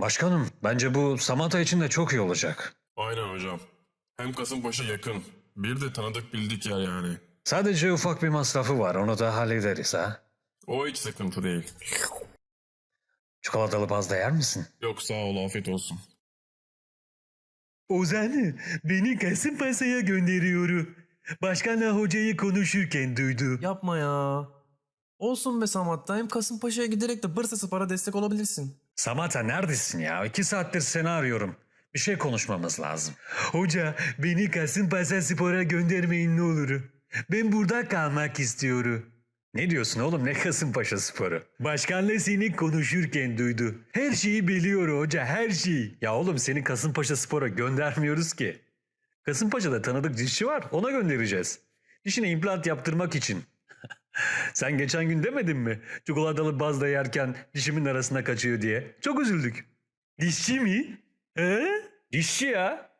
Başkanım, bence bu Samata için de çok iyi olacak. Aynen hocam. Hem Kasımpaşa yakın. Bir de tanıdık bildik yer yani. Sadece ufak bir masrafı var, onu da hallederiz ha. O hiç sıkıntı değil. Çikolatalı pasta yer misin? Yok sağ ol afiyet olsun. Ozan, beni Kasımpaşa'ya gönderiyor. Başkanla hocayı konuşurken duydu. Yapma ya. Olsun be Samat'ta hem Kasımpaşa'ya giderek de Bursa Spor'a destek olabilirsin. Samata neredesin ya? 2 saattir seni arıyorum. Bir şey konuşmamız lazım. Hoca, beni Kasımpaşa Spor'a göndermeyin ne olur. Ben burada kalmak istiyorum. Ne diyorsun oğlum, ne Kasımpaşa Sporu? Başkanla seni konuşurken duydu. Her şeyi biliyor hoca, her şeyi. Ya oğlum, seni Kasımpaşa Spor'a göndermiyoruz ki. Kasımpaşa'da tanıdık dişçi var, ona göndereceğiz. Dişine implant yaptırmak için. Sen geçen gün demedin mi? Çikolatalı bazda yerken dişimin arasına kaçıyor diye. Çok üzüldük. Dişçi mi? He? Dişçi ya.